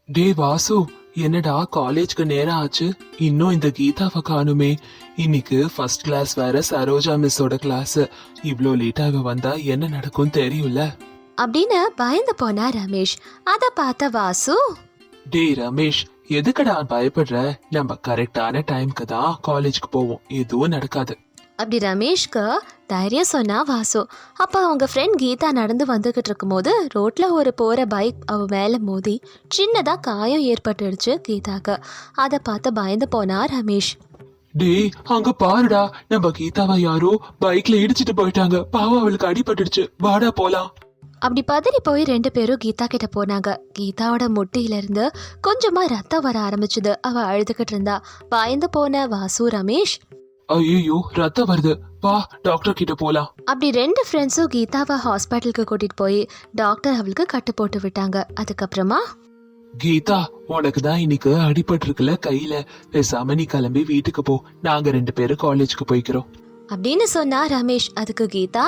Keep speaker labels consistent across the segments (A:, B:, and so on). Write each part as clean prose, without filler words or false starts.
A: டே வாசு, என்னடா காலேஜ்க்கு நேரம் ஆச்சு, இன்னும் இந்த கீதாவை காணுமே. இன்னைக்கு ஃபர்ஸ்ட் கிளாஸ் வேற, சரோஜா மிஸ்ஸோட கிளாஸ். இவ்ளோ லேட்டா இவ வந்தா என்ன நடக்கும் தெரியும்ல
B: அப்படின்னு பயந்து போனா ரமேஷ். அத பார்த்த வாசு,
A: டே ரமேஷ், எதுக்குடா பயப்படுற? நம்ம கரெக்டான டைம்க்கு தான் காலேஜ்க்கு போவோம், எதுவும் நடக்காது.
B: அப்படி ரமேஷ்க்கு தைரியம் சொன்னா வாசு. அப்ப அவங்க ஃப்ரெண்ட் கீதா நடந்து வந்துகிட்டு இருக்கும் போது ரோட்ல ஒரு போற பைக் அவ மேல மோதி சின்னதா காயம் ஏற்பட்டுடுச்சு கீதாக்கு. அதை பார்த்து பயந்து போனா ரமேஷ்.
A: டேய் அங்க பாருடா, நம்ம கீதாவை யாரோ பைக்ல இடிச்சிட்டு போயிட்டாங்க. பாவம், அவளுக்கு அடிபட்டுடுச்சு. வாடா போலாம்.
B: அப்படி பதறி போய் 2 பேரும் கீதா கிட்ட போனாங்க. கீதாவோட முட்டியில இருந்து கொஞ்சமா ரத்தம் வர ஆரம்பிச்சுது. அவ அழுதுகிட்டு இருந்தா. பயந்து போன வாசு ரமேஷ்,
A: ஐயோ ரத்தம் வருது, வா டாக்டர் கிட்ட போலாம்.
B: அப்படி 2 ஃப்ரெண்ட்ஸும் கீதாவை ஹாஸ்பிட்டலுக்கு கூட்டிட்டு போய் டாக்டர் அவளுக்கு கட்டு போட்டு விட்டாங்க. அதுக்கப்புறமா,
A: கீதா, உனக்கு தான் இன்னைக்கு அடிபட்டு இருக்குல்ல கையில, பேசாம நீ கிளம்பி வீட்டுக்கு போ. நாங்க 2 பேரும் காலேஜ்க்கு போய்க்கிறோம்
B: அப்படின்னு சொன்னா ரமேஷ். அதுக்கு கீதா,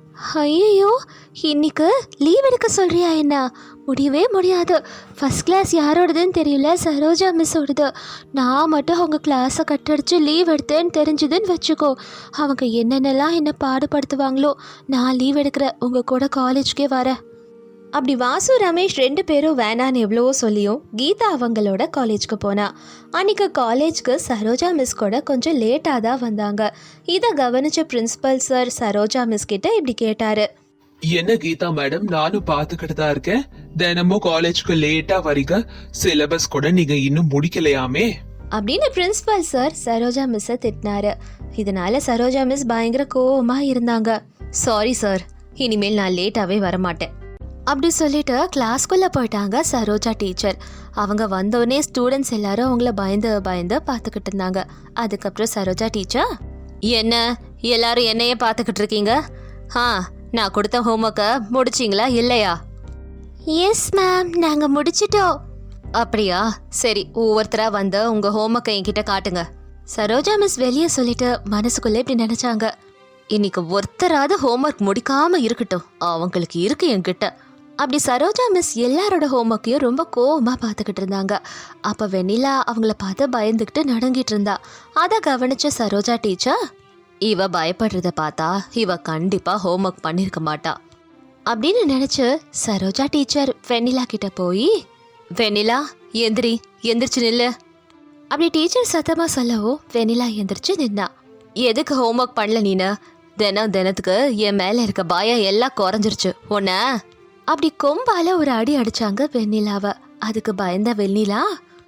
B: ஐயோ இன்னைக்கு லீவ் எடுக்க சொல்றியா? என்ன, முடியவே முடியாது. ஃபர்ஸ்ட் கிளாஸ் யாரோடதுன்னு தெரியல, சரோஜா மிஸ்ஸோடது. நான் மட்டும் அவங்க கிளாஸை கட்டடிச்சு லீவ் எடுத்தேன்னு தெரிஞ்சுதுன்னு வச்சுக்கோ, அவங்க என்னென்னலாம் என்ன பாடுபடுத்துவாங்களோ. நான் லீவ் எடுக்கிறேன், உங்கள் கூட காலேஜ்க்கே வரேன். அப்படி வாசு ரமேஷ் 2 பேரும் வேணான்னு எவ்வளவோ சொல்லியும் கீதா அவங்களோட காலேஜ்க்கு போனா. அன்னைக்கு காலேஜ்க்கு சரோஜா மிஸ் கூட கொஞ்சம் லேட்டாக தான் வந்தாங்க. இதை கவனிச்ச பிரின்சிபல் சார் சரோஜா மிஸ் கிட்ட இப்படி கேட்டாரு.
A: என்ன கீதா மேடம், நானும் பாத்துக்கிட்டு தான் இருக்கேன். தினமும் காலேஜ்க்கு லேட்டா வரீங்க, சிலபஸ் கூட நீங்க இன்னும் முடிக்கலையாமே
B: அப்படின்னு பிரின்சிபல் சார் சரோஜா மிஸ்ஸை திட்டினாரு. இதனால சரோஜா மிஸ் பயங்கர கோவமா இருந்தாங்க. சாரி சார், இனிமேல் நான் லேட்டாவே வரமாட்டேன் அப்படி சொல்லிட்டு கிளாஸ்குள்ள போயிட்டாங்க சரோஜா டீச்சர். அவங்க வந்தோடனே ஸ்டூடெண்ட்ஸ் எல்லாரும் அவங்கள பயந்து பயந்து பார்த்துக்கிட்டு இருந்தாங்க. அதுக்கப்புறம் சரோஜா டீச்சர், என்ன எல்லாரும் என்னையே பார்த்துக்கிட்டு இருக்கீங்க? நான் கொடுத்த ஹோம்ஒர்க்கை முடிச்சிங்களா இல்லையா? எஸ் மேம், நாங்கள் முடிச்சிட்டோம். அப்படியா, சரி, ஒவ்வொருத்தரா வந்து உங்க ஹோம்ஒர்க்கை என்கிட்ட காட்டுங்க. சரோஜா மிஸ் வெளியே சொல்லிட்டு மனசுக்குள்ள இப்படி நினைச்சாங்க, இன்னைக்கு ஒருத்தராவது ஹோம்ஒர்க் முடிக்காம இருக்கட்டும், அவங்களுக்கு இருக்கு என்கிட்ட. அப்படி சரோஜா மிஸ் எல்லாரோட ஹோம்ஒர்க்கையும் ரொம்ப கோவமா பார்த்துக்கிட்டு இருந்தாங்க. அப்போ வெண்ணிலா அவங்கள பார்த்து பயந்துக்கிட்டு நடுங்கிட்டு இருந்தா. அதை கவனிச்ச சரோஜா டீச்சர், இவ பயப்படுறத பார்த்தா இவ கண்டிப்பா ஹோம்ஒர்க் பண்ணிருக்க மாட்டா அப்படின்னு நினைச்சு சரோஜா டீச்சர் வெண்ணிலா கிட்ட போய், வெண்ணிலா எந்திரிச்சு நில்லு அப்படி டீச்சர் சத்தமா சொல்லவும் வெண்ணிலா எந்திரிச்சு நின்னா. எதுக்கு ஹோம்ஒர்க் பண்ணல நீனு? தினத்துக்கு என் மேல இருக்க பயம் எல்லாம் குறைஞ்சிருச்சு உன்ன அப்படி கொம்பால ஒரு அடி அடிச்சாங்க வெண்ணிலாவை. அதுக்கு பயந்த வெண்ணிலா,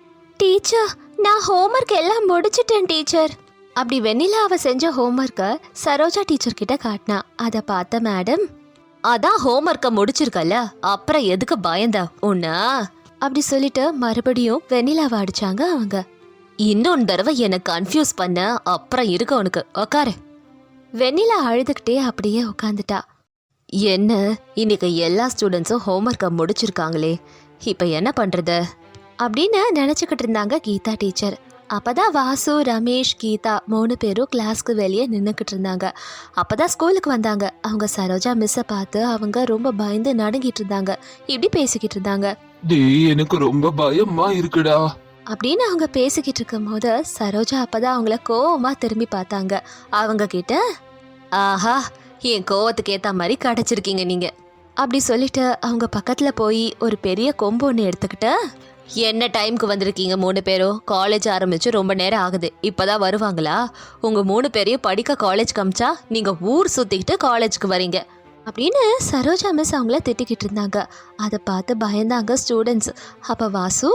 B: டீச்சர் நான் ஹோம்ஒர்க் எல்லாம் முடிச்சிட்டேன் டீச்சர். அப்படி வெண்ணிலா அவ செஞ்ச ஹோம்ஒர்க்கை சரோஜா டீச்சர் கிட்ட காட்டினா. அதை பார்த்த மேடம், அதான் ஹோம்ஒர்க்கை முடிச்சிருக்கல, அப்புறம் எதுக்கு பயந்த உன்ன அப்படி சொல்லிட்டு மறுபடியும் வெண்ணிலாவை அடிச்சாங்க அவங்க. இன்னொன்று தடவை என்னை கன்ஃபியூஸ் பண்ண, அப்புறம் இருக்க உனக்கு, உக்காரு. வெண்ணிலா அழுதுகிட்டே அப்படியே உட்காந்துட்டா. என்ன, இன்னைக்கு எல்லா ஸ்டூடெண்ட்ஸும் ஹோம்ஒர்க்கை முடிச்சிருக்காங்களே, இப்போ என்ன பண்ணுறது அப்படின்னு நினச்சிக்கிட்டு இருந்தாங்க கீதா டீச்சர். அப்போதான் வாசு ரமேஷ் கீதா 3 பேரும் கிளாஸ்க்கு வெளியே நின்றுக்கிட்டு இருந்தாங்க. அப்போதான் ஸ்கூலுக்கு வந்தாங்க. அவங்க சரோஜா மிஸ்ஸை பார்த்து அவங்க ரொம்ப பயந்து நடுங்கிட்டு இருந்தாங்க. இப்படி பேசிக்கிட்டு இருந்தாங்க,
A: டேய் எனக்கு ரொம்ப பயமா இருக்குடா
B: அப்படின்னு அவங்க பேசிக்கிட்டு இருக்கும் போது சரோஜா அப்பதான் அவங்கள கோவமா திரும்பி பார்த்தாங்க. அவங்க கிட்ட, ஆஹா என் கோவத்துக்கு ஏத்த மாதிரி கிடைச்சிருக்கீங்க நீங்க அப்படி சொல்லிட்டு அவங்க பக்கத்துல போய் ஒரு பெரிய கொம்பு ஒன்று எடுத்துக்கிட்டு, என்ன டைம்க்கு வந்திருக்கீங்க 3 பேரும்? காலேஜ் ஆரம்பிச்சு ரொம்ப நேரம் ஆகுது, இப்பதான் வருவாங்களா? உங்க 3 பேரையும் படிக்க காலேஜ் காமிச்சா நீங்க ஊர் சுத்திக்கிட்டு காலேஜ்க்கு வரீங்க அப்படின்னு சரோஜா மிஸ் அவங்கள திட்டிக்கிட்டு இருந்தாங்க. அதை பார்த்து பயந்தாங்க ஸ்டூடெண்ட்ஸ். அப்ப வாசு,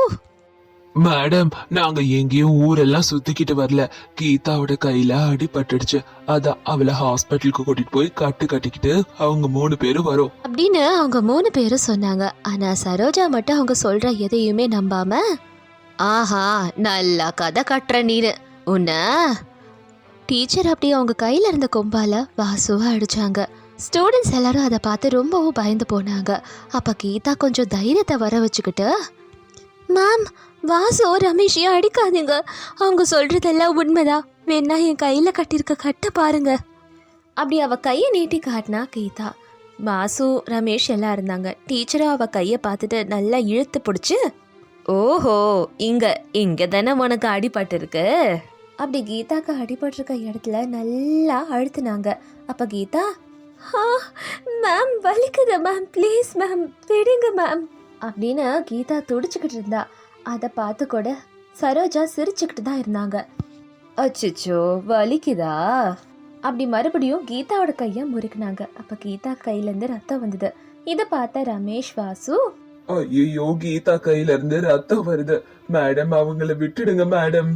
A: மேடம், நாங்க எங்கேயும் ஊரெல்லாம் சுத்திக்கிட்டு வரல. கீதாவோட கையில அடிபட்டுடுச்சு, அதான் அவளை ஹாஸ்பிட்டலுக்கு கூட்டிட்டு போய் கட்டிக்கிட்டு அவங்க 3 பேரும் வரும்
B: அப்படின்னு அவங்க 3 பேரும் சொன்னாங்க. ஆனா சரோஜா மட்டும் அவங்க சொல்ற எதையுமே நம்பாம, ஆஹா நல்லா கதை கட்டுற நீரு உன்ன டீச்சர் அப்படி அவங்க கையில இருந்த கொம்பால வாசுவா அடிச்சாங்க. ஸ்டூடெண்ட்ஸ் எல்லாரும் அதை பார்த்து ரொம்பவும் பயந்து போனாங்க. அப்ப கீதா கொஞ்சம் தைரியத்தை வர வச்சுக்கிட்டு, மேம் வாசு ரமேஷையும் அடிக்காதீங்க, அவங்க சொல்றதெல்லாம் உண்மைதான், வேணா என் கையில கட்டியிருக்க கட்ட பாருங்க அப்படி அவ கையை நீட்டி காட்டினா கீதா. வாசு ரமேஷ் எல்லாம் இருந்தாங்க. டீச்சரும் அவ கையை பார்த்துட்டு நல்லா இழுத்து பிடிச்சி, ஓஹோ, இங்க இங்க தானே உனக்கு அடிபட்டு இருக்கு. அப்படி கீதாக்கு அடிபட்டிருக்க இடத்துல நல்லா அழுத்துனாங்க. அப்ப கீதா, மேம் வலிக்குது மேம், ப்ளீஸ் மேம் விடுங்க மேம் அப்படின்னு கீதா துடிச்சுக்கிட்டு இருந்தா. அதை பார்த்து கூட சரோஜா சிரிச்சுக்கிட்டு தான் இருந்தாங்க. அச்சோ வலிக்குதா அப்படி மறுபடியும் கீதாவோட கையை முறுக்குனாங்க. அப்ப கீதா கையிலேருந்து ரத்தம் வந்தது. இதை பார்த்த ரமேஷ், வாசு,
A: ஐயோ கீதா கையில இருந்து ரத்தம் வருது மேடம், அவங்கள விட்டுடுங்க மேடம்.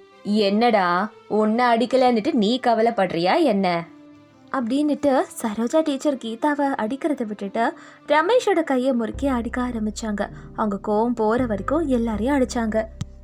B: என்னடா உன்னை அடிக்கலன்னுட்டு நீ கவலைப்படுறியா என்ன அப்படின்னுட்டு சரோஜா டீச்சர் கீதாவை அடிக்கிறத விட்டுட்டு ரமேஷோட கையை முறுக்கி அடிக்க ஆரம்பிச்சாங்க. அவங்க கோவம் போற வரைக்கும் எல்லாரையும் அடிச்சாங்க.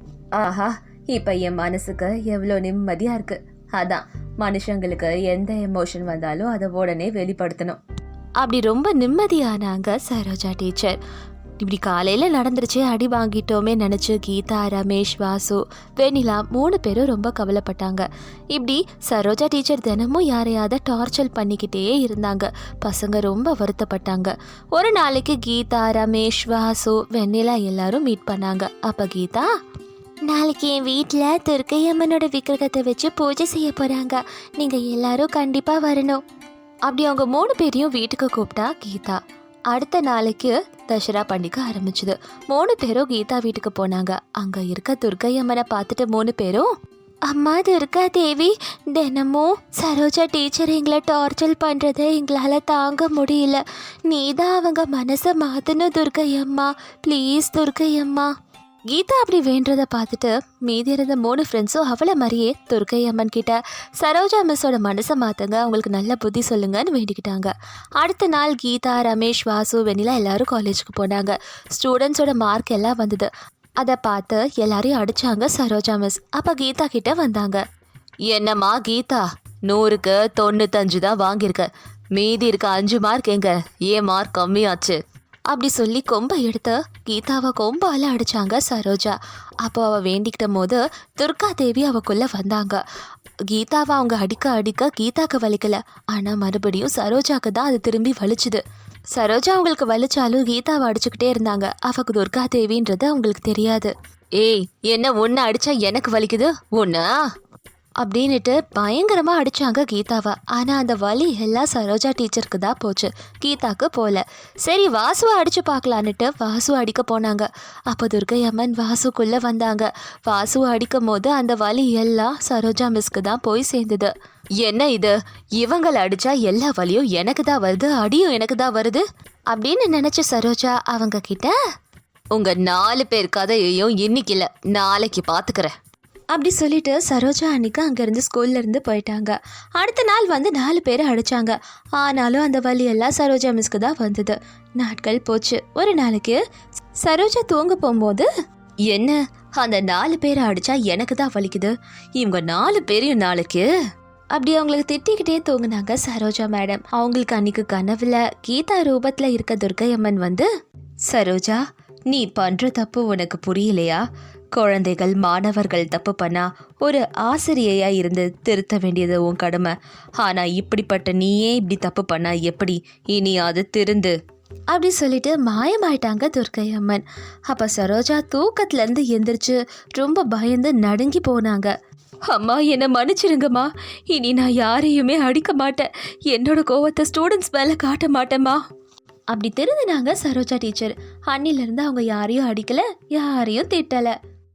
B: ஆஹா, இப்ப என் மனசுக்கு எவ்வளோ நிம்மதியா இருக்கு. அதான் மனுஷங்களுக்கு எந்த எமோஷன் வந்தாலும் அதை உடனே வெளிப்படுத்தணும். அப்படி ரொம்ப நிம்மதியானாங்க சரோஜா டீச்சர். இப்படி காலையில் நடந்துருச்சு, அடி வாங்கிட்டோமே நினச்சி கீதா, ரமேஷ், வாசு, வெண்ணிலா 3 பேரும் ரொம்ப கவலைப்பட்டாங்க. இப்படி சரோஜா டீச்சர் தினமும் யாரையாவது டார்ச்சர் பண்ணிக்கிட்டே இருந்தாங்க. பசங்க ரொம்ப வருத்தப்பட்டாங்க. ஒரு நாளைக்கு கீதா, ரமேஷ், வாசு, வெண்ணிலா எல்லாரும் மீட் பண்ணாங்க. அப்போ கீதா, நாளைக்கு என் வீட்டில் துர்க்கையம்மனோட விக்கிரகத்தை வச்சு பூஜை செய்ய போகிறாங்க, நீங்கள் எல்லாரும் கண்டிப்பாக வரணும். அப்படி அவங்க 3 பேரையும் வீட்டுக்கு கூப்பிட்டா கீதா. அடுத்த நாளைக்கு தசரா பண்டிகை ஆரம்பிச்சுது. 3 பேரும் கீதா வீட்டுக்கு போனாங்க. அங்கே இருக்க துர்க்கையம்மனை பார்த்துட்டு 3 பேரும், அம்மா துர்கா தேவி, தினமும் சரோஜா டீச்சர் எங்களை டார்ச்சர் பண்ணுறதை எங்களால் தாங்க முடியல. நீ தான் அவங்க மனசை மாற்றணும் துர்க்கையம்மா, ப்ளீஸ் துர்க்கையம்மா. கீதா அப்படி வேண்டதை பார்த்துட்டு மீதி இருந்த 3 ஃப்ரெண்ட்ஸும் அவளை மாதிரியே துர்க்கையம்மன் கிட்ட சரோஜா மிஸ்ஸோட மனசை மாற்றுங்க, அவங்களுக்கு நல்ல புத்தி சொல்லுங்கன்னு வேண்டிக்கிட்டாங்க. அடுத்த நாள் கீதா, ரமேஷ், வாசு, வெண்ணிலா எல்லாரும் காலேஜுக்கு போனாங்க. ஸ்டூடெண்ட்ஸோட மார்க் எல்லாம் வந்தது. அதை பார்த்து எல்லாரையும் அடித்தாங்க சரோஜா மிஸ். அப்போ கீதா கிட்ட வந்தாங்க. என்னம்மா கீதா, 100க்கு 95 தான் வாங்கியிருக்க, மீதி இருக்க 5 மார்க் எங்க, ஏன் மார்க் கம்மியாச்சு அப்படி சொல்லி கொம்பை எடுத்து கீதாவை கொம்பால் அடித்தாங்க சரோஜா. அப்போ அவள் வேண்டிக்கிட்ட போது துர்கா தேவி அவக்குள்ளே வந்தாங்க. கீதாவை அவங்க அடிக்க அடிக்க கீதாக்கு வலிக்கல, ஆனால் மறுபடியும் சரோஜாக்கு தான் அது திரும்பி வலிச்சுது. சரோஜா அவங்களுக்கு வலிச்சாலும் கீதாவை அடிச்சுக்கிட்டே இருந்தாங்க. அவக்கு துர்கா தேவின்றது அவங்களுக்கு தெரியாது. ஏய், என்ன ஒன்று அடித்தா எனக்கு வலிக்குது ஒன்றா அப்படின்னுட்டு பயங்கரமாக அடித்தாங்க கீதாவை. ஆனால் அந்த வலி எல்லாம் சரோஜா டீச்சருக்கு தான் போச்சு, கீதாக்கு போல. சரி வாசுவை அடித்து பார்க்கலான்னுட்டு வாசுவை அடிக்க போனாங்க. அப்போ துர்க்கையம்மன் வாசுக்குள்ளே வந்தாங்க. வாசுவை அடிக்கும் போது அந்த வலி எல்லாம் சரோஜா மிஸ்க்கு தான் போய் சேர்ந்தது. என்ன இது, இவங்களை அடித்தா எல்லா வலியும் எனக்கு தான் வருது, அடியும் எனக்கு தான் வருது அப்படின்னு நினச்ச சரோஜா அவங்க கிட்ட, உங்கள் 4 பேர் கதையையும் இன்னைக்கு இல்லை நாளைக்கு பார்த்துக்கிறேன் அப்படி சொல்லிட்டு சரோஜா அன்னைக்கு அங்கேருந்து ஸ்கூல்லேருந்து போயிட்டாங்க. அடுத்த நாள் வந்து 4 பேரை அடித்தாங்க. ஆனாலும் அந்த வலியெல்லாம் சரோஜா மிஸ்க்கு தான் வந்தது. நாட்கள் போச்சு. ஒரு நாளைக்கு சரோஜா தூங்க போகும்போது, என்ன அந்த 4 பேரை அடித்தா எனக்கு தான் வலிக்குது, இவங்க 4 பேரையும் நாளைக்கு அப்படி அவங்களுக்கு திட்டிக்கிட்டே தூங்குனாங்க சரோஜா மேடம். அவங்களுக்கு அன்னைக்கு கனவுல கீதா ரூபத்தில் இருக்க துர்க்கையம்மன் வந்து, சரோஜா நீ பண்ணுற தப்பு உனக்கு புரியலையா, குழந்தைகள் மாணவர்கள் தப்பு பண்ணா ஒரு ஆசிரியையா இருந்து திருத்த வேண்டியது உன் கடமை, ஆனால் இப்படிப்பட்ட நீயே இப்படி தப்பு பண்ணா எப்படி, இனி அது திருந்து அப்படி சொல்லிட்டு மாயமாயிட்டாங்க துர்க்கையம்மன். அப்போ சரோஜா தூக்கத்துலேருந்து எந்திரிச்சு ரொம்ப பயந்து நடுங்கி போனாங்க. அம்மா என்னை மன்னிச்சிருங்கம்மா, இனி நான் யாரையுமே அடிக்க மாட்டேன், என்னோட கோவத்தை ஸ்டூடெண்ட்ஸ் மேலே காட்ட மாட்டேம்மா அப்படி திருந்தினாங்க சரோஜா டீச்சர். அன்னிலிருந்து அவங்க யாரையும் அடிக்கல, யாரையும் திட்டலை.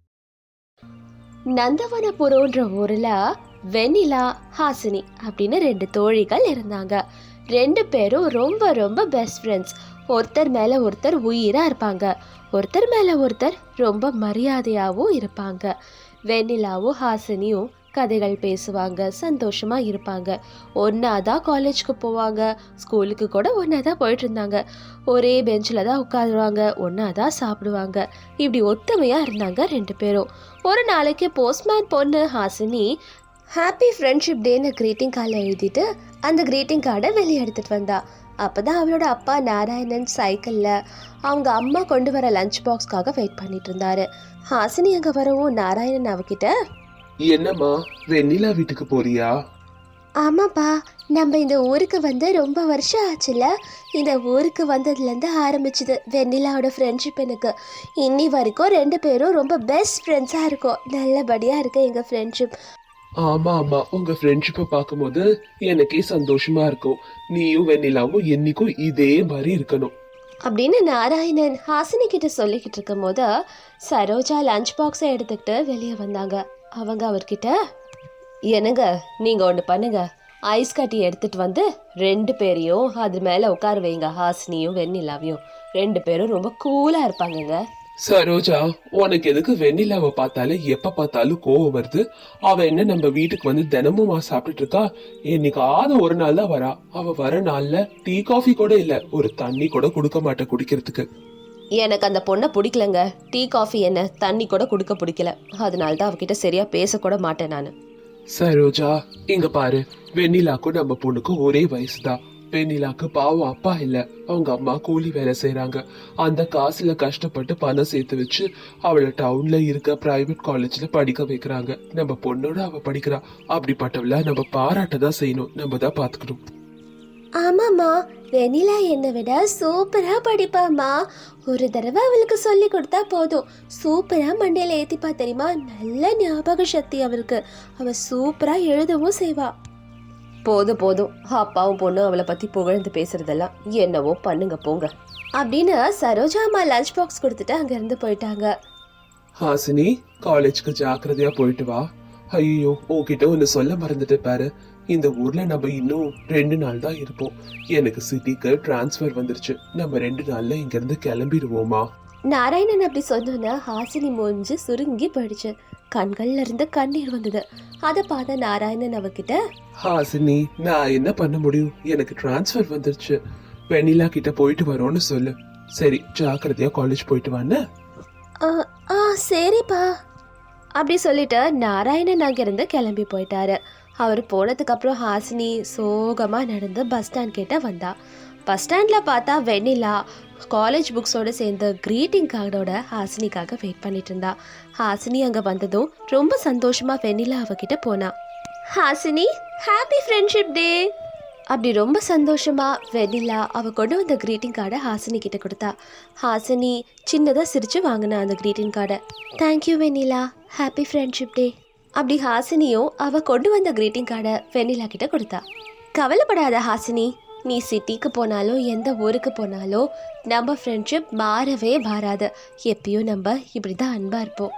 B: நந்தவனபுரம்ன்ற ஊரில் வெண்ணிலா, ஹாசினி அப்படின்னு 2 தோழிகள் இருந்தாங்க. 2 பேரும் ரொம்ப ரொம்ப பெஸ்ட் ஃப்ரெண்ட்ஸ். ஒருத்தர் மேலே ஒருத்தர் உயிராக இருப்பாங்க, ஒருத்தர் மேலே ஒருத்தர் ரொம்ப மரியாதையாகவும் இருப்பாங்க. வெண்ணிலாவும் ஹாசினியும் கதைகள் பேசுவாங்க, சந்தோஷமாக இருப்பாங்க. ஒன்றா தான் காலேஜுக்கு போவாங்க, ஸ்கூலுக்கு கூட ஒன்றா தான் போயிட்டு இருந்தாங்க. ஒரே பெஞ்சில் தான் உட்காருவாங்க, ஒன்றா தான் சாப்பிடுவாங்க. இப்படி ஒத்துமையாக இருந்தாங்க 2 பேரும். ஒரு நாளைக்கு போஸ்ட்மேன் பொண்ணு ஹாசினி ஹாப்பி ஃப்ரெண்ட்ஷிப் டேன்னு க்ரீட்டிங் கார்டில் எழுதிட்டு அந்த க்ரீட்டிங் கார்டை வெளியே எடுத்துகிட்டு வந்தா. அப்போ தான் அவளோட அப்பா நாராயணன் சைக்கிளில் அவங்க அம்மா கொண்டு வர லஞ்ச் பாக்ஸ்க்காக வெயிட் பண்ணிட்டு இருந்தாரு. ஹாசினி அங்கே வரவும் நாராயணன் அவகிட்ட,
A: என்னம்மா வெண்ணிலா வீட்டுக்கு போறியா?
B: ஆமாப்பா, நம்ம இந்த ஊருக்கு வந்து ரொம்ப வருஷம் ஆச்சுல. இந்த ஊருக்கு வந்ததுலேருந்து ஆரம்பிச்சுது வெண்ணிலாவோட ஃப்ரெண்ட்ஷிப். எனக்கு இன்னி வரைக்கும் 2 பேரும் ரொம்ப பெஸ்ட் ஃப்ரெண்ட்ஸாக இருக்கோம். நல்லபடியாக இருக்கு எங்கள் ஃப்ரெண்ட்ஷிப்.
A: ஆமா ஆமா, உங்க ஃப்ரெண்ட்ஷிப்பை பார்க்கும்போது எனக்கே சந்தோஷமா இருக்கும். நீயும் வெண்ணிலாவும் என்னைக்கும் இதே மாதிரி இருக்கணும்.
B: அப்படின்னு நாராயணன் ஹாசினி கிட்ட சொல்லிக்கிட்டு இருக்கும் போது சரோஜா லஞ்ச் பாக்ஸை எடுத்துக்கிட்டு வெளியே வந்தாங்க. அவங்க அவர்கிட்ட, என்னங்க நீங்கள் ஒன்று பண்ணுங்க, ஐஸ் கட்டி எடுத்துட்டு வந்து 2 பேரையும் அது மேலே உட்கார வைங்க. ஹாசினியும் வெண்ணிலாவையும் 2 பேரும் ரொம்ப கூலாக இருப்பாங்கங்க.
A: சரோஜா, உனக்கு எதுக்கு வெண்ணிலாவை பார்த்தாலே எப்ப பார்த்தாலும் கோவம் வருது? அவ என்ன நம்ம வீட்டுக்கு வந்து தினமும் சாப்பிட்டுட்டு இருக்கா? என்னைக்காவது ஒரு நாள் தான் வரா. அவ வர நாள்ல டீ காஃபி கூட இல்ல, ஒரு தண்ணி கூட கொடுக்க மாட்டேன் குடிக்கிறதுக்கு.
B: எனக்கு அந்த பொண்ணை பிடிக்கலங்க. டீ காஃபி என்ன, தண்ணி கூட கொடுக்க பிடிக்கல. அதனால தான் அவகிட்ட சரியா பேசக்கூட மாட்டேன் நான்.
A: சரோஜா, இங்க பாரு, வெண்ணிலாக்கும் நம்ம பொண்ணுக்கும் ஒரே வயசுதான். வெண்ணிலாக்கு பாவம் அப்பா இல்ல, அவங்க அம்மா கூலி வேலை செய்யறாங்க. அந்த காசுல கஷ்டப்பட்டு பணம் சேர்த்து வச்சு அவளை டவுன்ல இருக்க பிரைவேட் காலேஜ்ல படிக்க வைக்கிறாங்க. நம்ம பொண்ணோட அவ படிக்கிறா. அப்படிப்பட்டவள நம்ம பாராட்ட தான் செய்யணும், நம்ம தான் பாத்துக்கணும்.
B: ஆமாம்மா, வெண்ணிலா என்னை விட சூப்பராக படிப்பாம்மா. ஒரு தடவை அவளுக்கு சொல்லி கொடுத்தா போதும், சூப்பராக மண்டையில் ஏற்றிப்பா தெரியுமா. நல்ல ஞாபக சக்தி அவளுக்கு. அவள் சூப்பராக எழுதவும் செய்வா. போதும் போதும், அப்பாவும் பொண்ணும் அவளை பற்றி புகழ்ந்து பேசுறதெல்லாம் என்னவோ பண்ணுங்க போங்க அப்படின்னு சரோஜா அம்மா லஞ்ச் பாக்ஸ் கொடுத்துட்டு அங்கேருந்து போயிட்டாங்க.
A: ஹாசினி, காலேஜ்க்கு ஜாக்கிரதையா போயிட்டு வா. ஐயோ, உன்கிட்ட ஒன்னு சொல்ல மறந்துட்டு பாரு. இந்த ஊர்ல நம்ம இன்னும் 2 நாள் தான் இருப்போம். எனக்கு சிட்டிக்கு டிரான்ஸ்ஃபர் வந்துருச்சு. நம்ம 2 நாள்ல இங்க இருந்து கிளம்பிடுவோமா?
B: நாராயணன் அப்படி சொன்னோன்னா ஹாசினி மூஞ்சி சுருங்கி போயிடுச்சு. கண்கள்ல இருந்து கண்ணீர் வந்தது. அதை பார்த்த நாராயணன் அவகிட்ட,
A: ஹாசினி, நான் என்ன பண்ண முடியும்? எனக்கு டிரான்ஸ்ஃபர் வந்துருச்சு. வெண்ணிலா கிட்ட போயிட்டு வரோன்னு சொல்லு. சரி, ஜாக்கிரதையா காலேஜ் போயிட்டு வான்னு.
B: சரிப்பா அப்படி சொல்லிட்டு நாராயணன் அங்கிருந்து கிளம்பி போயிட்டாரு. அவர் போனதுக்கு அப்புறம் ஹாசினி சோகமா நடந்து பஸ் ஸ்டாண்ட் கிட்ட வந்தா. பஸ் ஸ்டாண்ட்ல பார்த்தா வெண்ணிலா காலேஜ் புக்ஸோட சேர்ந்து கிரீட்டிங் கார்டோட ஹாசினிக்காக வெயிட் பண்ணிட்டு இருந்தா. ஹாசினி அங்க வந்ததும் ரொம்ப சந்தோஷமா வெண்ணிலா அவகிட்ட போனா. ஹாசினி, ஹாப்பி ஃப்ரெண்ட்ஷிப் டே அப்படி ரொம்ப சந்தோஷமா வெண்ணிலா அவ கொண்டு வந்த கிரீட்டிங் கார்டை ஹாசினி கிட்ட கொடுத்தா. ஹாசினி சின்னதா சிரிச்சு வாங்கினா அந்த கிரீட்டிங் கார்டை. Thank you Vennila, happy friendship day அப்படி ஹாசினியும் அவ கொண்டு வந்த கிரீட்டிங் கார்டை வெண்ணிலா கிட்ட கொடுத்தா. கவலைப்படாத ஹாசினி, நீ சிட்டிக்கு போனாலும் எந்த ஊருக்கு போனாலும் நம்ம ஃப்ரெண்ட்ஷிப் மாறவே மாறாது. எப்பயும் நம்ம இப்படி தான் அன்பா இருப்போம்.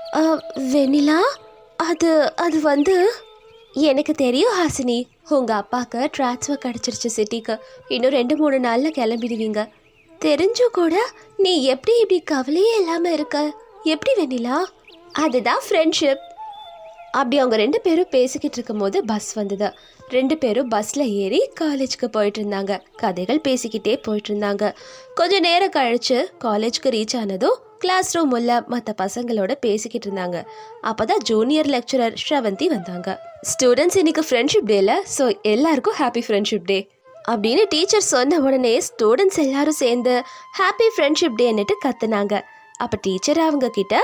B: வெண்ணிலா, அது அது வந்து எனக்கு தெரியும் ஹாசினி, உங்க அப்பாவுக்கு ட்ரான்ஸ்ஃபர் கிடைச்சிருச்சு சிட்டிக்கு. இன்னும் 2-3 நாள்ல கிளம்பிடுவீங்க. தெரிஞ்சும் கூட நீ எப்படி இப்படி கவலையே இல்லாம இருக்க? எப்படி வெண்ணிலா? அதுதான் ஃப்ரெண்ட்ஷிப். அப்படி அவங்க 2 பேரும் பேசிக்கிட்டு இருக்கும் போது பஸ் வந்தது. 2 பேரும் பஸ்ல ஏறி காலேஜ்க்கு போயிட்டு இருந்தாங்க. கதைகள் பேசிக்கிட்டே போயிட்டு இருந்தாங்க. கொஞ்ச நேரம் கழிச்சு காலேஜ்க்கு ரீச் ஆனதும் கிளாஸ் ரூம் உள்ள மற்ற பசங்களோட பேசிக்கிட்டு இருந்தாங்க. அப்பதான் ஜூனியர் லெக்சரர் ஸ்ரவந்தி வந்தாங்க. ஸ்டூடெண்ட்ஸ், இன்னைக்கு ஃப்ரெண்ட்ஷிப் டேல, ஸோ எல்லாருக்கும் ஹாப்பி ஃப்ரெண்ட்ஷிப் டே அப்படின்னு டீச்சர் சொன்ன உடனே ஸ்டூடெண்ட்ஸ் எல்லாரும் சேர்ந்து ஹாப்பி ஃப்ரெண்ட்ஷிப் டேன்னுட்டு கத்துனாங்க. அப்ப டீச்சர் அவங்க கிட்ட,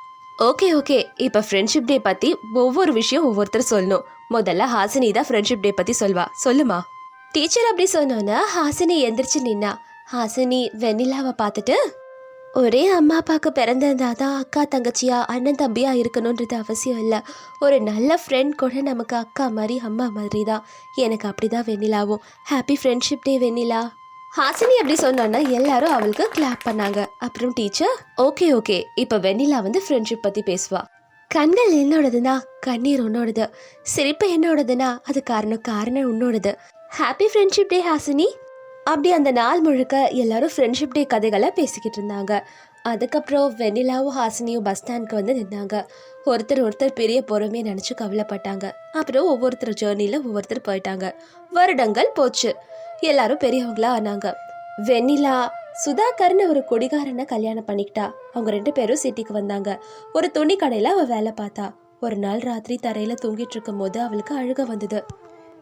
B: ஓகே ஓகே, இப்போ ஃப்ரெண்ட்ஷிப் டே பற்றி ஒவ்வொரு விஷயம் ஒவ்வொருத்தர் சொல்லணும். முதல்ல ஹாசினி தான் ஃப்ரெண்ட்ஷிப் டே பற்றி சொல்வா, சொல்லுமா. டீச்சர் அப்படி சொன்னோன்னா ஹாசினி எந்திரிச்சு நின்னா. ஹாசினி வெண்ணிலாவை பார்த்துட்டு, ஒரே அம்மா அப்பாவுக்கு பிறந்திருந்தா தான் அக்கா தங்கச்சியா அண்ணன் தம்பியா இருக்கணுன்றது அவசியம் இல்லை. ஒரு நல்ல ஃப்ரெண்ட் கூட நமக்கு அக்கா மாதிரி அம்மா மாதிரி தான். எனக்கு அப்படி தான் வெண்ணிலாவும். Happy friendship day Vennila. Hasini அப்படி சொன்னோன்னா எல்லாரும் அவளுக்கு கிளாப் பண்ணாங்க. அப்புறம் டீச்சர், ஓகே ஓகே, இப்போ வெண்ணிலா வந்து ஃப்ரெண்ட்ஷிப் பற்றி பேசுவா. கண்கள் என்னோடதுன்னா கண்ணீர் உன்னோடது, சிரிப்பு என்னோடதுன்னா அது காரணம் உன்னோடது. Happy friendship day Hasini. அப்படி அந்த நாள் முழுக்க எல்லாரும் ஃப்ரெண்ட்ஷிப் டே கதைகளை பேசிக்கிட்டு இருந்தாங்க. அதுக்கப்புறம் வெண்ணிலாவும் ஹாசினியும் பஸ் ஸ்டாண்ட்க்கு வந்து நின்னாங்க. ஒருத்தர் பெரிய பொறுமையை நினச்சி கவலைப்பட்டாங்க. அப்புறம் ஒவ்வொருத்தர் ஜேர்னியில் ஒவ்வொருத்தர் போயிட்டாங்க. வருடங்கள் போச்சு. எல்லாரும் பெரியவங்களா ஆனாங்க. வெண்ணிலா சுதாகர்னு ஒரு குடிகாரனை கல்யாணம் பண்ணிக்கிட்டா. அவங்க 2 பேரும் சிட்டிக்கு வந்தாங்க. ஒரு துணி கடையில் அவள் வேலை பார்த்தா. ஒரு நாள் ராத்திரி தரையில் தூங்கிட்டு இருக்கும் போது அவளுக்கு அழுக வந்தது.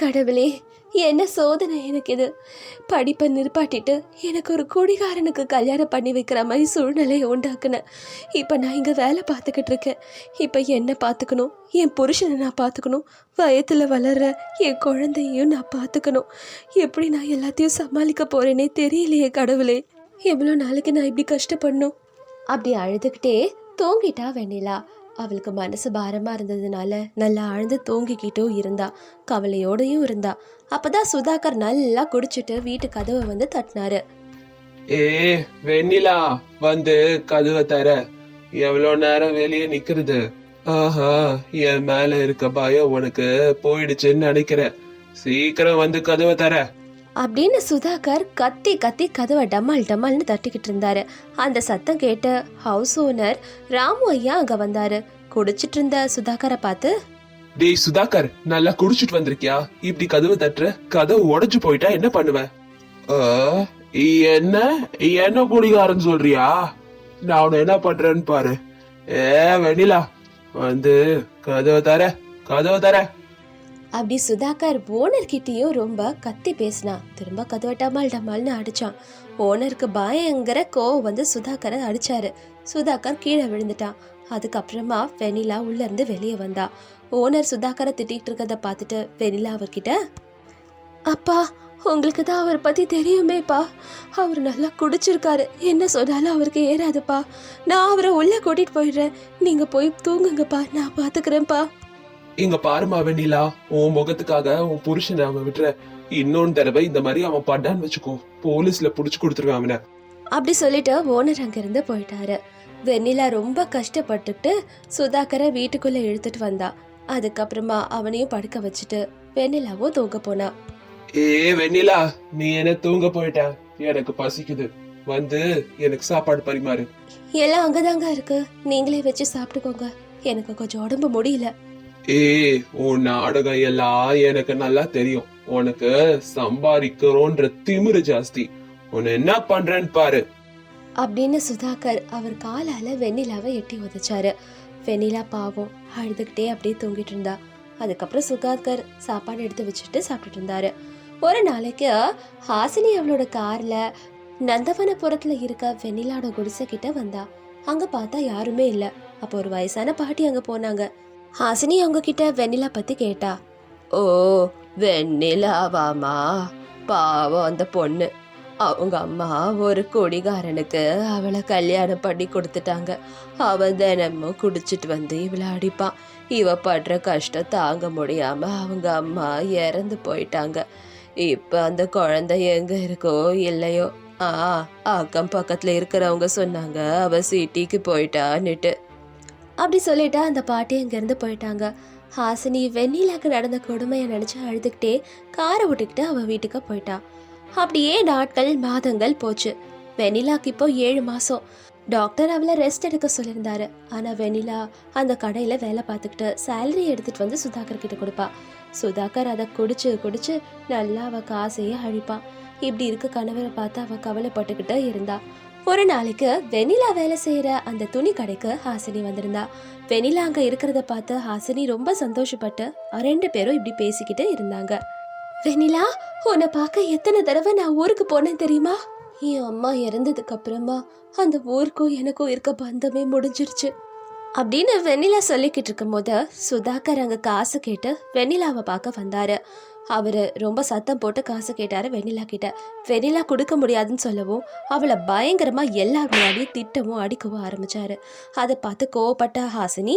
B: கடவுளே, என்ன சோதனை எனக்கு இது! படிப்பை நிற்பாட்டிட்டு எனக்கு ஒரு குடிகாரனுக்கு கல்யாணம் பண்ணி வைக்கிற மாதிரி சூழ்நிலையை உண்டாக்குனேன். இப்போ நான் இங்கே வேலை பார்த்துக்கிட்டு இருக்கேன். இப்போ என்ன பார்த்துக்கணும், என் புருஷனை நான் பார்த்துக்கணும், வயத்தில் வளர்ற என் குழந்தையும் நான் பார்த்துக்கணும். எப்படி நான் எல்லாத்தையும் சமாளிக்க போகிறேனே தெரியலையே கடவுளே! எவ்வளோ நாளைக்கு நான் இப்படி கஷ்டப்படணும்? அப்படி அழுதுகிட்டே தூங்கிட்டா வெண்ணிலா. அவளுக்கு மனசு பாரமாக இருந்ததுனால நல்லா ஆழ்ந்து தூங்கிக்கிட்டும் இருந்தா, கவலையோடையும் இருந்தா. அப்பதான் சுதாகர் நல்லா குடிச்சிட்டு வீட்டு கதவை வந்து தட்டினாரு.
A: ஏ வெண்ணிலா, வந்து கதவை தர. எவ்வளவு நேரம் வெளியே நிக்கிறது? ஆஹா, என் மேல இருக்க பயம் உனக்கு போயிடுச்சுன்னு நினைக்கிறேன். சீக்கிரம் வந்து கதவை தர
B: அப்படின்னு சுதாகர் கத்தி கத்தி கதவை டமால் டமால்னு தட்டிக்கிட்டு இருந்தாரு. அந்த சத்தம் கேட்ட ஹவுஸ் ஓனர் ராமு ஐயா அங்க வந்தாரு. குடிச்சிட்டு இருந்த சுதாகரை பார்த்து,
A: டேய் சுதாகர், நல்லா குடிச்சிட்டு வந்திருக்கியா? இப்படி கதவு தட்டுற, கதவு உடைஞ்சு போயிட்டா என்ன பண்ணுவ? என்ன என்ன குடிகாரன்னு சொல்றியா? நான் உன்னை என்ன பண்றேன்னு பாரு. வெண்ணிலா, வந்து கதவை தர.
B: அப்படி சுதாகர் ஓனர் கிட்டேயும் ரொம்ப கத்தி பேசினா. திரும்ப கதவை டமால் டமால்னு அடிச்சான். ஓனருக்கு பயங்கர கோவம் வந்து சுதாகரை அடிச்சாரு. சுதாகர் கீழே விழுந்துட்டான். அதுக்கப்புறமா வெண்ணிலா உள்ள இருந்து வெளியே வந்தா. ஓனர் சுதாகரை திட்டிகிட்டு இருக்கிறத பார்த்துட்டு வெண்ணிலா அவர்கிட்ட, அப்பா, உங்களுக்கு தான் அவரை பத்தி தெரியுமேப்பா. அவர் நல்லா குடிச்சிருக்காரு. என்ன சொன்னாலும் அவருக்கு ஏறாதுப்பா. நான் அவரை உள்ள கூட்டிட்டு போயிடுறேன். நீங்க போய் தூங்குங்கப்பா, நான் பாத்துக்கிறேன்ப்பா.
A: இங்க பாருமா வெண்ணிலா, உன் முகத்துக்காக உன் புருஷனை அவன் விட்டுற. இன்னொன்னு தடவை இந்த மாதிரி அவன் பட்டான்னு வச்சுக்கோ, போலீஸ்ல புடிச்சு கொடுத்துருவேன் அவனை.
B: அப்படி சொல்லிட்டு ஓனர் அங்கிருந்து போயிட்டாரு. வெண்ணிலா ரொம்ப கஷ்டப்பட்டுட்டு சுதாகரை வீட்டுக்குள்ள இழுத்துட்டு வந்தா. அதுக்கப்புறமா அவனையும் படுக்க வச்சுட்டு வெண்ணிலாவும் தூங்க போனா.
A: வெண்ணிலா, நீ என்ன தூங்க போயிட்ட? எனக்கு பசிக்குது, வந்து எனக்கு சாப்பாடு பரிமாறு.
B: எல்லாம் அங்கதாங்க இருக்கு, நீங்களே வச்சு சாப்பிட்டுக்கோங்க. எனக்கு கொஞ்சம் உடம்பு முடியல.
A: உன் நாடகம் எல்லாம் எனக்கு நல்லா தெரியும். உனக்கு சம்பாதிக்கிறோன்ற திமிரு ஜாஸ்தி. உன்னை என்ன பண்றேன்னு பாரு
B: அப்படின்னு சுதாகர் அவர் காலால வெண்ணிலாவை எட்டி உதைச்சாரு. வெண்ணிலா பாவம் அழுதுகிட்டே அப்படியே தூங்கிட்டு இருந்தா. அதுக்கப்புறம் சுதாகர் சாப்பாடு எடுத்து வச்சுட்டு சாப்பிட்டுட்டு இருந்தாரு. ஒரு நாளைக்கு ஹாசினி அவளோட கார்ல நந்தவனபுரத்துல இருக்க வெண்ணிலாவோட குடிசை கிட்ட வந்தா. அங்க பார்த்தா யாருமே இல்ல. அப்போ ஒரு வயசான பாட்டி அங்க போனாங்க. ஹாசினி அவங்க கிட்ட வெண்ணிலா பத்தி கேட்டா. ஓ, வெண்ணிலாவாமா? பாவம் அந்த பொண்ணு. அவங்க அம்மா ஒரு குடிகாரனுக்கு அவளை கல்யாணம் பண்ணி கொடுத்துட்டாங்க. அவன் தினமும் குடிச்சிட்டு வந்து இவளை அடிப்பான். இவ படுற கஷ்டம் தாங்க முடியாம அவங்க அம்மா இறந்து போயிட்டாங்க. இப்ப அந்த குழந்தை எங்க இருக்கோ இல்லையோ. அக்கம் பக்கத்துல இருக்கிறவங்க சொன்னாங்க அவ சிட்டிக்கு போயிட்டான்னுட்டு. அப்படி சொல்லிட்டு அந்த பாட்டி அங்கிருந்து போயிட்டாங்க. ஹாசினி வெண்ணிலாக்கு நடந்த கொடுமையை நினைச்சு அழுதுகிட்டே காரை விட்டுக்கிட்டு அவ வீட்டுக்கு போயிட்டா. அப்படியே நாட்கள் மாதங்கள் போச்சு. வெண்ணிலாக்கு இப்போ 7 மாசம். டாக்டர் அவளை ரெஸ்ட் எடுக்க சொல்லியிருந்தாரு. ஆனா வெண்ணிலா அந்த கடையில வேலை பார்த்துக்கிட்டு சேலரி எடுத்துட்டு வந்து சுதாகர் கிட்ட கொடுப்பா. சுதாகர் அதை குடிச்சு நல்லா அவ காசையே அழிப்பான். இப்படி இருக்க கணவரை பார்த்து அவ கவலைப்பட்டுக்கிட்டு இருந்தா. ஒரு நாளைக்கு வெண்ணிலா வேலை செய்யற அந்த துணி கடைக்கு ஹாசினி வந்திருந்தா. வெண்ணிலா அங்க இருக்கிறத பார்த்து ஹாசினி ரொம்ப சந்தோஷப்பட்டு 2 பேரும் இப்படி பேசிக்கிட்டு இருந்தாங்க. வெண்ணிலா, உன்னை பார்க்க எத்தனை தடவை நான் ஊருக்கு போனேன் தெரியுமா? என் அம்மா இறந்ததுக்கு அப்புறமா அந்த ஊருக்கும் எனக்கும் இருக்க பந்தமே முடிஞ்சிருச்சு அப்படின்னு வெண்ணிலா சொல்லிக்கிட்டு இருக்கும் போது சுதாகர் அங்க காசு கேட்டு வெண்ணிலாவை பார்க்க வந்தாரு. அவரு ரொம்ப சத்தம் போட்டு காசு கேட்டாரு வெண்ணிலா கிட்ட. வெண்ணிலா கொடுக்க முடியாதுன்னு சொல்லவும் அவளை பயங்கரமா எல்லார் முன்னாடியும் திட்டவும் அடிக்கவும் ஆரம்பிச்சாரு. அதை பார்த்து கோவப்பட்ட ஹாசினி,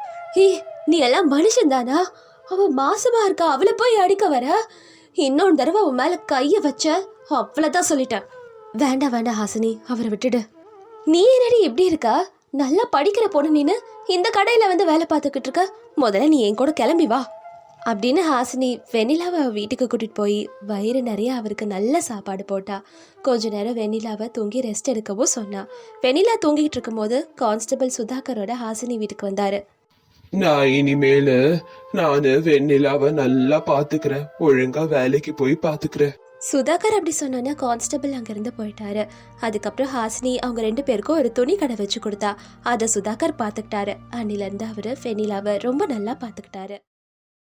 B: நீ எல்லாம் மனுஷன் தானா? அவ மாசமா இருக்கா, அவளை போய் அடிக்க வர? இன்னொன்று தடவை அவன் மேல கைய வச்ச அவ்வளவுதான் சொல்லிட்டேன். வேண்டாம் ஹாசினி, அவரை விட்டுடு. நீ என்னடி இப்படி இருக்கா? நல்லா படிக்கிற பொண்ணு நீனு இந்த கடையில வந்து வேலை பார்த்துக்கிட்டு இருக்க. முதல்ல நீ என் கூட கிளம்பி வா அப்படின்னு ஹாசினி வெண்ணிலாவை வீட்டுக்கு கூட்டிட்டு போய் வயிறு நிறைய அவருக்கு நல்ல சாப்பாடு போட்டா. கொஞ்ச நேரம் வெண்ணிலாவை தூங்கி ரெஸ்ட் எடுக்கவும் சொன்னா. வெண்ணிலா தூங்கிட்டு இருக்கும் போது கான்ஸ்டபிள் சுதாகரோட ஹாசினி வீட்டுக்கு வந்தாரு.
A: நான் இனிமேலு நானு வெண்ணிலாவை நல்லா பாத்துக்கிறேன், ஒழுங்கா வேலைக்கு போய் பாத்துக்கிறேன்.
B: சுதாகர் அப்படி சொன்னோன்னா கான்ஸ்டபிள் அங்கிருந்து போயிட்டாரு. அதுக்கப்புறம் ஹாசினி அவங்க 2 பேருக்கும் ஒரு துணி கடை வச்சு கொடுத்தா. அதை சுதாகர் பாத்துக்கிட்டாரு. அன்னில இருந்து அவரு வெண்ணிலாவை ரொம்ப நல்லா பாத்துக்கிட்டாரு.